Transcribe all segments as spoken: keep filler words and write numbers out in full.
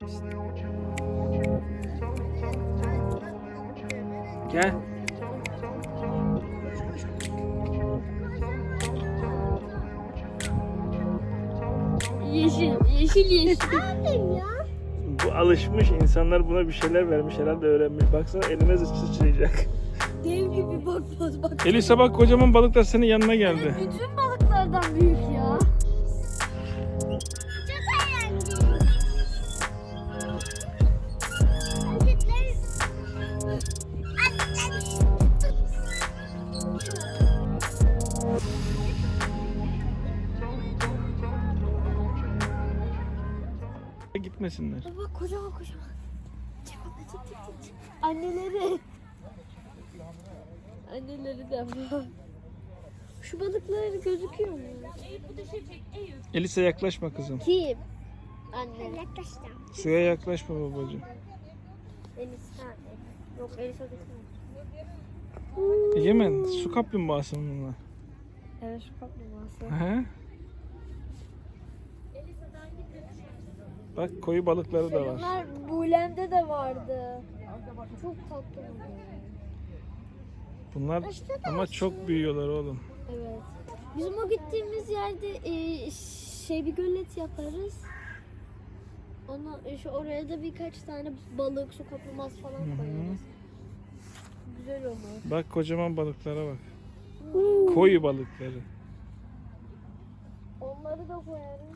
Gel. Yeşil, yeşil yeşil. Abim ya. Bu alışmış, insanlar buna bir şeyler vermiş, herhalde öğrenmiş. Baksana elime sıçrayacak. Dev gibi bakmaz bak. Elisa bak, kocaman balıklar senin yanına geldi. Bütün balıklardan büyük ya. Çok eğlenceli. Hareketler. Gitmesinler. Bak kocaman kocaman. Çık baba, çık çık çık, çık. Anneleri. Anneleri de var. Şu balıklar gözüküyor mu? Elisa yaklaşma kızım. Kim? Anne. Yaklaştım. Suya yaklaşma babacığım. Elisa. Yok Elisa değil. Egemen, su kaplumbağası mı bunlar? Evet şu kaplumbağası. He? Bak, koyu balıkları da var. Bunlar Bulem'de de vardı. Çok tatlı. Bunlar ama çok büyüyorlar oğlum. Evet. Bizim o gittiğimiz yerde e, şey bir gölet yaparız. Ona şu oraya da birkaç tane balık, su kaplumbağası falan Hı hı. koyarız. Güzel olur. Bak, kocaman balıklara bak. Koyu balıkları. Onları da koyarız.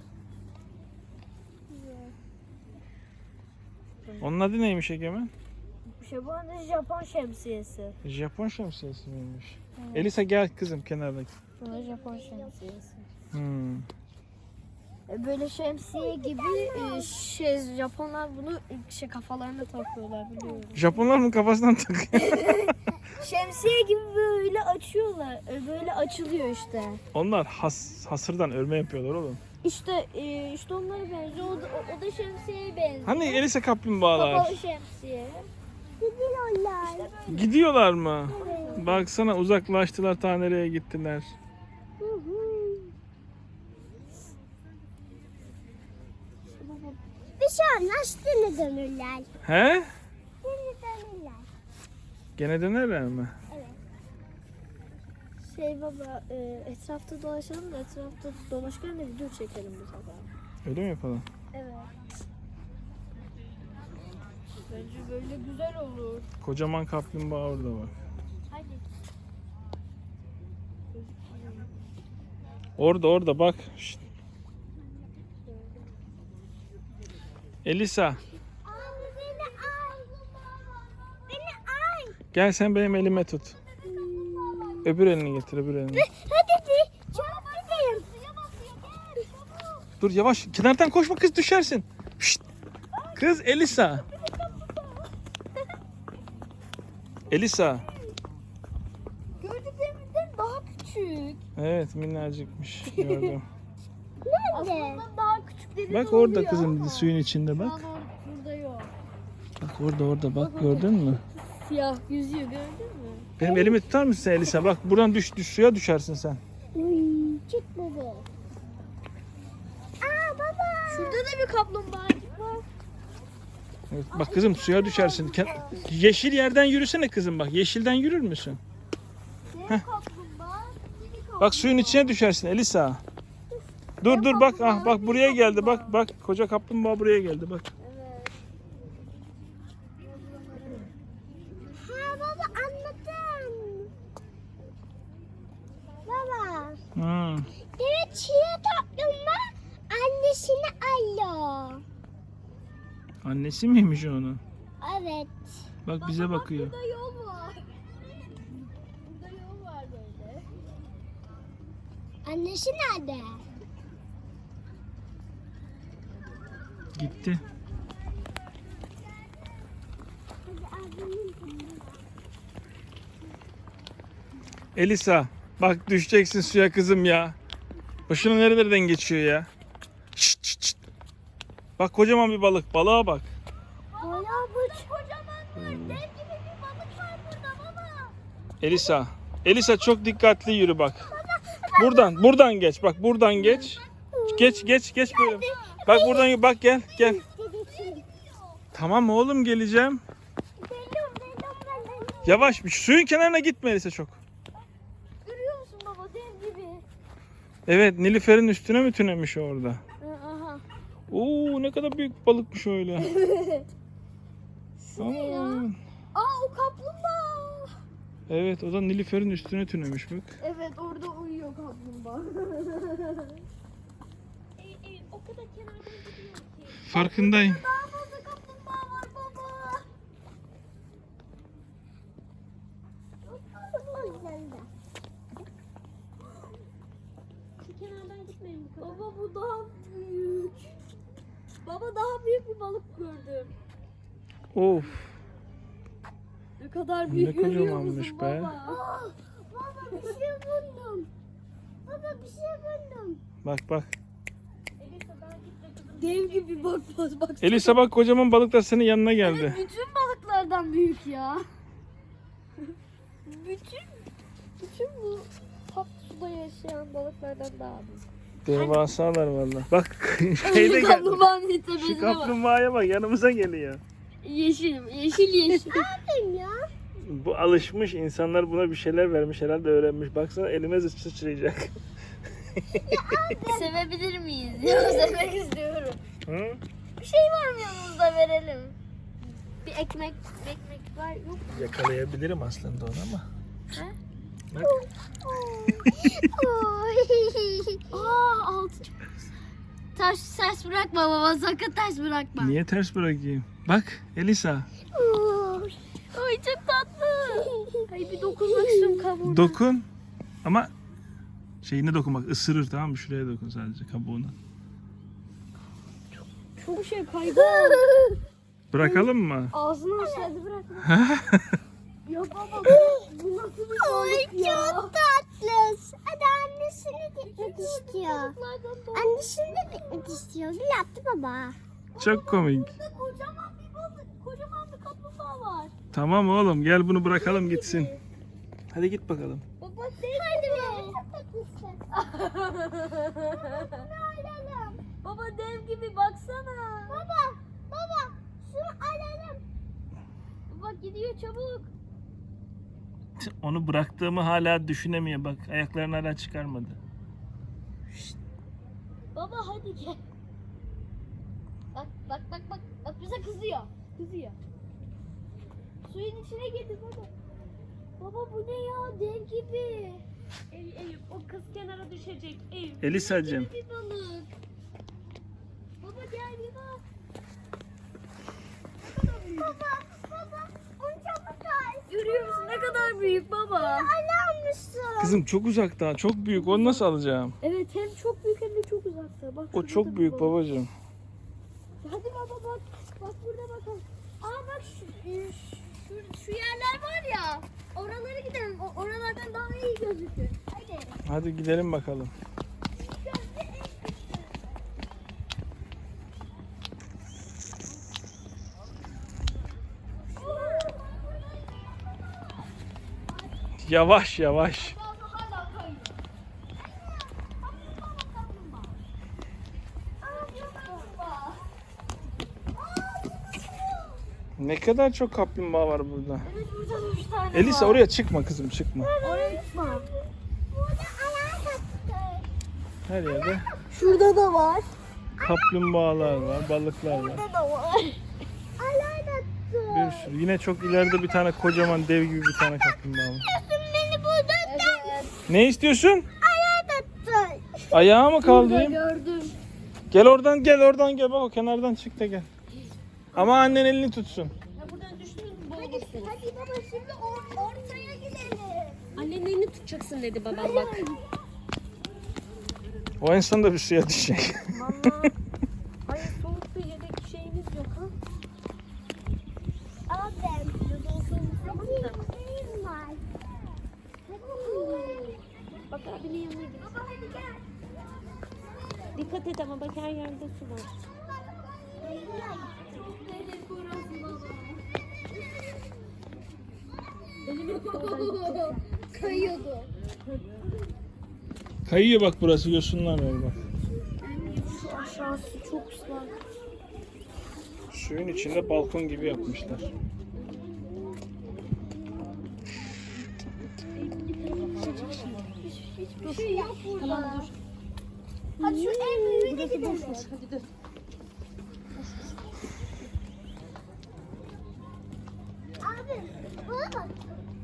Onun adı neymiş Egemen? Şey bu adı Japon şemsiyesi. Japon şemsiyesi miymiş? Elisa gel kızım kenarda. Bu da Japon şemsiyesi. Hmm. E, Böyle şemsiye gibi e, şey Japonlar bunu şey kafalarına takıyorlar biliyorum. Japonlar mı kafasından takıyor? Şemsiye gibi böyle açıyorlar. E, Böyle açılıyor işte. Onlar has, hasırdan örme yapıyorlar oğlum. İşte e, işte onlara benziyor. O da, o, o da şemsiyeye benziyor. Hani Elisa kaplumbağalar? Kapalı şemsiye. Gidiyorlar. Gidiyorlar mı? Baksana, uzaklaştılar, ta nereye gittiler. Hı hı. Bir şey olmaz, yine dönürler. He? Yine dönürler. Gene dönerler mi? Şey baba e, etrafta dolaşalım da etrafta dolaşırken de video çekelim bu sefer. Öyle mi yapalım? Evet. Bence böyle güzel olur. Kocaman kaplumbağa orada bak. Hadi. Orada orada bak. Şşt. Elisa, Abi beni al. Beni al. gel sen benim elime tut. Öbür elini getir, öbür elini. Hadi bir. Çabuk gidelim. Suya basıyor. Gel çabuk. Dur yavaş, kenardan koşma kız, düşersin. Şşt. Kız Elisa. Elisa. Gördüklerimizden daha küçük. Evet, minnacıkmış. Gördüm. Aslında daha küçükleri Bak de orada oluyor kızım, ama suyun içinde şu bak. an or- burada yok. Bak orada orada bak, gördün mü? Siyah yüzüyor gördün mü? Benim elimi tutar mısın Elisa? Bak buradan düş, düş suya düşersin sen. Uy, çık baba. Aa baba. Şurada da bir kaplumbağacık var. Evet, bak kızım, suya düşersin. Ken- Yeşil yerden yürüsene kızım bak. Yeşilden yürür müsün? Dev Heh. kaplumbağa, mini kaplumbağa. Bak suyun içine düşersin Elisa. Dur dur bak, ah bak buraya geldi, bak bak koca kaplumbağa buraya geldi bak. Evet. Ha baba anladım. Baba. Hmm. Evet çiğ toplumda annesini alıyor. Annesi miymiş onun? Evet. Bak bize bakıyor. Burada yol var. Burada yol var böyle. Annesi nerede? Gitti. Elisa bak, düşeceksin suya kızım ya. Başına nerelerden geçiyor ya. Şşt, şşt, şşt. Bak kocaman bir balık. Balığa bak. Bayağı bu. Kocaman var. Dev gibi bir balık var burada baba. Elisa. Elisa çok dikkatli yürü bak. Buradan, buradan geç. Bak buradan geç. Geç, geç, geç böyle. Bak buradan bak, gel, gel. Tamam oğlum geleceğim. Geliyorum geliyorum ben de. Yavaş bir suyun kenarına gitme Elisa çok. Görüyor musun baba dev gibi. Evet Nilüfer'in üstüne mi tünemiş orada? Aha. Oo ne kadar büyük balıkmış öyle. Aman. Aa o kaplumbağa. Evet o da Nilüfer'in üstüne tünemiş bak. Evet orada uyuyor kaplumbağa. Ey, ey, o kadar kenardan gidiyor ki. Farkındayım. Daha fazla kaplumbağa var baba. O yüzden de. Şu kenardan gitmeyin bu kadar. Baba bu daha büyük. Baba daha büyük bir balık gördüm. Of Ne kadar Ne büyük görüyor kocamanmış musun be. baba? Aa, baba bir şey buldum. Baba bir şey buldum. bak bak. Dev gibi bak bak bak. Elisa bak kocaman balıklar senin yanına geldi. Evet, bütün balıklardan büyük ya. bütün bütün bu tatlı suda yaşayan balıklardan daha büyük. Devasalar valla. Bak şeyde geldi. Kaplumbağanın Şu tepesine bak. kaplumbağaya bak yanımıza geliyor. Yeşil, yeşil yeşil. Benim ya. Bu alışmış insanlar buna bir şeyler vermiş herhalde öğrenmiş. Baksana elime sıçrayacak. Sevebilir miyiz? Ya sevmek istiyorum. Hı? Bir şey var mı yanımızda verelim? Bir ekmek, ekmek var yok. Yakalayabilirim aslında onu ama. He? Bak. Oy. Aa altı çok güzel. Taş ters bırakma baba sakın ters bırakma. Niye ters bırakayım? Bak Elisa. Oy. Ay çok tatlı. Ay bir dokunmak istiyorum kabuğuna. Dokun. Ama şeyine dokunmak ısırır tamam mı? Şuraya dokun sadece kabuğuna. Çok şey kaydı. Bırakalım mı? Ağzını aşağıda bırakma. Ya baba bu, bu nasıl bir balık ya? Çok tatlı. Hadi annesine gitmek istiyor. Annesine de gitmek istiyor. Gül yaptı baba. Çok komik. Burada kocaman bir balık, kocaman bir kaplumbağa var. Tamam oğlum gel bunu bırakalım gitsin. Hadi git bakalım. Baba değil Hadi mi? be. Çok tatlısın. Bunu alalım. Baba dev gibi baksana. Baba. Baba. Şunu alalım. Baba gidiyor çabuk. Onu bıraktığımı hala düşünemiyor bak. Ayaklarını hala çıkarmadı. Baba hadi gel. Bak bak bak bak. Bak bize kızıyor. Kızıyor. Suyun içine girdi baba. Baba bu ne ya dev gibi. Eyüp, Eyüp o kız kenara düşecek. Eyüp. Elisacığım. Bir balık. Baba gel bir bak. Baba. Baba. Onu çabuk al. Görüyor musun ne kadar büyük baba. Almışsın. Kızım çok uzakta. Çok büyük. Onu nasıl alacağım? Evet hem çok büyük hem de çok uzakta. Bak O şurada da çok bir büyük balık. babacığım. Hadi baba bak. Bak burada bakalım. Aa bak şu, e, şu, şu yerler var ya. Oralara gidelim. O, oralardan daha iyi gözükür. Hadi. Hadi gidelim bakalım. Yavaş yavaş. Ne kadar çok kaplumbağa var burada. Evet burada da üç tane Elisa var. oraya çıkma kızım çıkma. Oraya gitme. Burada ayağa taktı. Her yerde Şurada da var. kaplumbağalar var, balıklar var. Burada da var. Ayağa taktı. Bir sürü. Yine çok ileride bir tane kocaman dev gibi bir tane kaplumbağa var. Beni buradan Evet. Ne istiyorsun? ayağa taktı. Ayağı mı Burada kaldı? gördüm. Gel oradan gel oradan gel bak o kenardan çık da gel. Ama annen elini tutsun. Ya buradan düştünüz mü Hadi, boğulursunuz. hadi baba şimdi or- ortaya gidelim. Annenin elini tutacaksın dedi babam bak. O en sonunda bir suya düşecek. Vallahi. Hayır soğuk bir yedek şeyiniz yok ha. Abi. Hadi benim var. Hadi. Bak abinin yanına git. Baba hadi gel. Dikkat et ama bak her yerde su var. Kayıyordu. Kayıyor bak burası yosunlar var bak. Şu aşağısı çok ıslak. Suyun içinde balkon gibi yapmışlar. Hiçbir şey yok burada. Tamam dur. Hadi şu en büyüğüne Burası gidelim. boş boş. Hadi dur. Abi buna bak.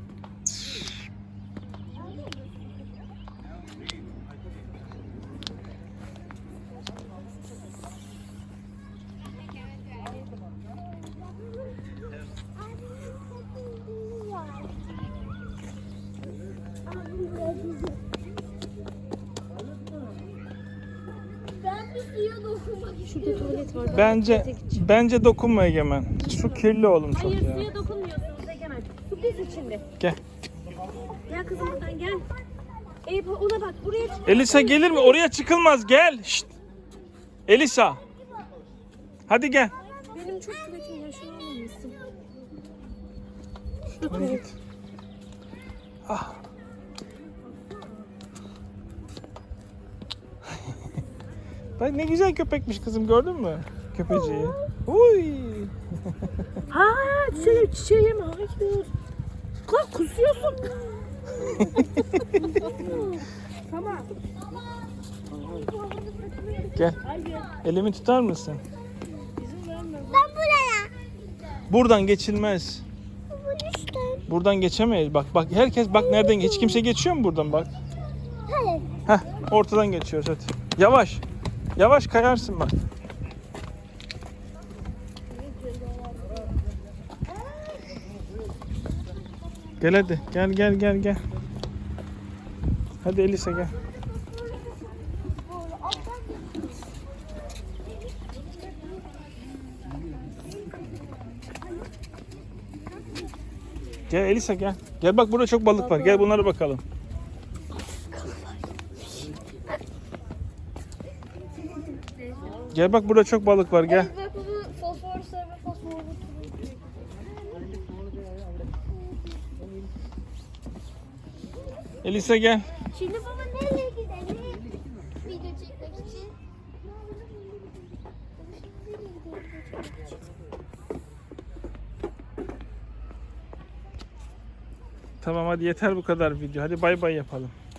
Ben bir suya dokunmak Şurada tuvalet var. Ben Bence tuvalete gideceğim. bence dokunma Egemen. Su kirli oğlum çok Hayır ya. suya dokunmuyorsunuz Egemen. Su biz içinde. Gel. Gel kızım buradan gel. Eyüp ona bak buraya çık. Elisa gelir mi? Oraya çıkılmaz. Gel. Şşt. Elisa. Hadi gel. Benim çok tuvaletim ya şunu almamışsın. Şurada Hadi tuvalet. git. Ah. Bak ne güzel köpekmiş kızım, gördün mü? Köpeciği. Uy. Ha çiçeğim çiçeğim hayır. Lan kusuyorsun. Tamam. Gel. Elimi tutar mısın? Ben buraya. Buradan geçilmez. Bunu işte. Buradan geçemeyiz. Bak bak herkes bak nereden, hiç kimse geçiyor mu buradan bak. Hayır. Heh, ortadan geçiyoruz hadi. Yavaş. Yavaş kayarsın bak. Gel hadi. Gel gel gel gel. Hadi Elisa gel. Gel Elisa gel. Gel bak burada çok balık var. Gel bunlara bakalım. Gel bak burada çok balık var gel. Bak bunu fosfor sarı fosfor. Elisa gel. Şimdi baba nereye gidelim? Video çekmek için. Tamam hadi yeter bu kadar video. Hadi bay bay yapalım.